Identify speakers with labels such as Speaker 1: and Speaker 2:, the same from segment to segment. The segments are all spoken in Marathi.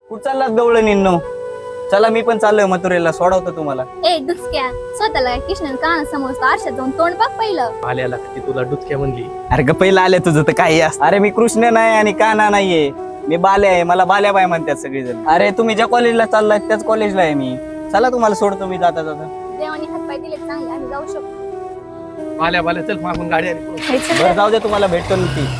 Speaker 1: कुठं चाललात गवळणींनो? चला मी पण चाललोय मथुरेला, सोडवतो तुम्हाला.
Speaker 2: ए डुचक्या, स्वतःला कृष्ण कान समजतो, आरशात जाऊन तोंड बघ पहिलं.
Speaker 3: आल्याला ती तुला डुचक्या म्हणली.
Speaker 1: अरे ग पहिला आले तुझं तर काही असतं. अरे मी कृष्ण नाही आणि काना नाहीये, मी बाल्या आहे. मला बाल्या बाय म्हणतात सगळेजण. अरे तुम्ही ज्या कॉलेजला चाललाय त्याच कॉलेजला आहे मी. चला तुम्हाला सोडतो मी जाता जाता.
Speaker 2: देवानी हातपाय दिले चांगले, आम्ही जाऊ शकतो.
Speaker 3: आल्या चल मागून गाडी आली.
Speaker 1: बरं जाऊ दे, तुम्हाला भेटतो ना ती.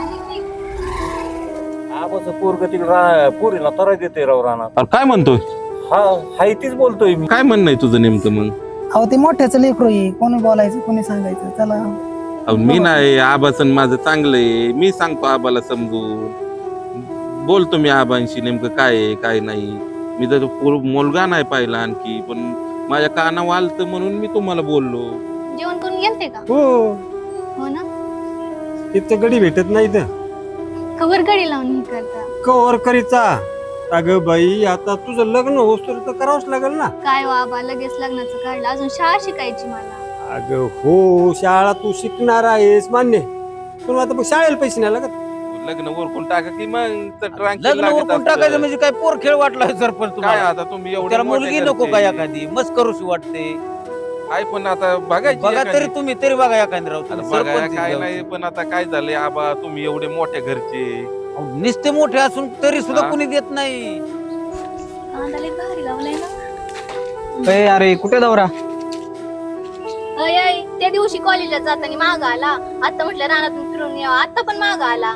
Speaker 4: पोरग पोरीला तराय देते राव रानात.
Speaker 5: अरे काय म्हणतोय?
Speaker 4: हा हाय तीच बोलतोय मी.
Speaker 5: काय म्हणणं आहे तुझं नेमकं मग?
Speaker 6: अहो ते मोठ्याचं लेकरू आहे, कोणी बोलायचं कोणी सांगायचं. चला
Speaker 5: अहो, मी नाही, आबाचं माझं चांगलं आहे. मी सांगतो आबाला समजून, बोलतो मी आबांशी नेमकं काय आहे काय नाही. मी तर मुलगा नाही पाहिला आणखी, पण माझ्या कानावर आलतं म्हणून मी तुम्हाला बोललो.
Speaker 2: जेवण करून गेलते का?
Speaker 7: हो
Speaker 2: हो ना.
Speaker 7: तिथं गडी भेटत नाही तर
Speaker 2: कवर गडी लावून हे करता.
Speaker 7: कवर करीचा. अगं बाई आता तुझं लग्न होस तर करावंच लागेल ना.
Speaker 2: काय बाबा लगेच लग्नाचं काढलं, अजून शाळा शिकायची मला.
Speaker 7: अगं हो, शाळा तू शिकणार आहेस मान्य, पण आता मग शाळेला पैसे नाही लागत.
Speaker 5: लग्न ओरकून टाका की मग तर tranquil
Speaker 4: लग्न
Speaker 5: लागत
Speaker 4: उरकून
Speaker 5: असतं.
Speaker 4: टाकायचं म्हणजे काय पोर खेळ वाटलाय सरपंच
Speaker 5: काय
Speaker 4: तुम्हाला?
Speaker 5: आता तुम्ही एवढे
Speaker 4: त्याला
Speaker 5: मोठे
Speaker 4: मुलगी नको
Speaker 5: घरचे.
Speaker 4: का एखादी मस्त करूशी वाटते.
Speaker 5: आहे पण आता बघायची
Speaker 4: बघा
Speaker 5: एखादी.
Speaker 4: तरी तुम्ही तरी बघा एखादी राव.
Speaker 5: आता
Speaker 4: तुम्ही
Speaker 5: बघायला
Speaker 4: सरपंच
Speaker 5: काय
Speaker 4: जाऊ.
Speaker 5: नाही, पण आता काय झालंय आबा, तुम्ही एवढे मोठे घरचे.
Speaker 4: अहो, नुसते मोठे असून तरी सुद्धा
Speaker 5: हा?
Speaker 4: कुणी देत नाही.
Speaker 2: कांदा लय भारी लावलाय ना.
Speaker 1: ए, अरे कुठे दौरा?
Speaker 2: अय अय, त्या दिवशी कॉलेजला जाताना माग आला, आता म्हटलं रानातून फिरून यावं, आता पण माग आला.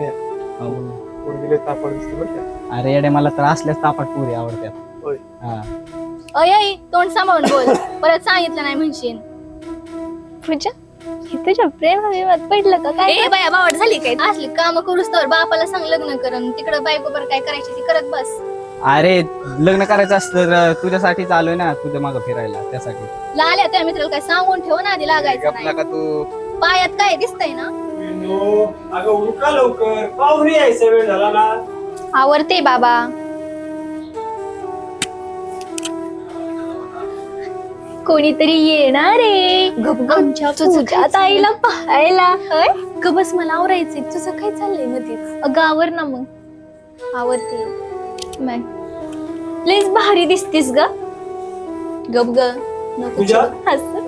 Speaker 1: अरे येडे, मला तर असल्याच तापाट पुरी आवडतात.
Speaker 7: होय.
Speaker 1: हा.
Speaker 2: अय अय, तोंड सांभाळून बोल, परत सांगितलं नाही म्हणशील. पूजा, हे तुझ्या प्रेमात पडलं का काय? ए बाया, बावड झाली काय? असली काम करूस तर बापाला सांग लग्न करन, तिकडं बायको बरं काय करायची ती करत बस.
Speaker 1: अरे लग्न करायचं असतं तर तुझ्यासाठी चालूय ना, तुझ्या मागं फिरायला त्यासाठी.
Speaker 2: लाल्या त्या मित्राला काय सांगून ठेव ना, आधी लागायचं
Speaker 5: गपला
Speaker 2: नाही.
Speaker 5: का तू?
Speaker 2: पायात काय दिसतंय ना?
Speaker 7: अगं उरका लवकर, पाहुणे यायचा वेळ झाला ना.
Speaker 2: आवडते बाबा. कोणीतरी येणार रे आमच्या पूजात आईला पाहायला. गबस, मला आवरायचंय. तुझं काय चाललंय मध्येच? अगं आवर ना मग. आवडते लईच भारी दिसतीस ग. गप ग, नको
Speaker 7: पूजा?
Speaker 2: हसू.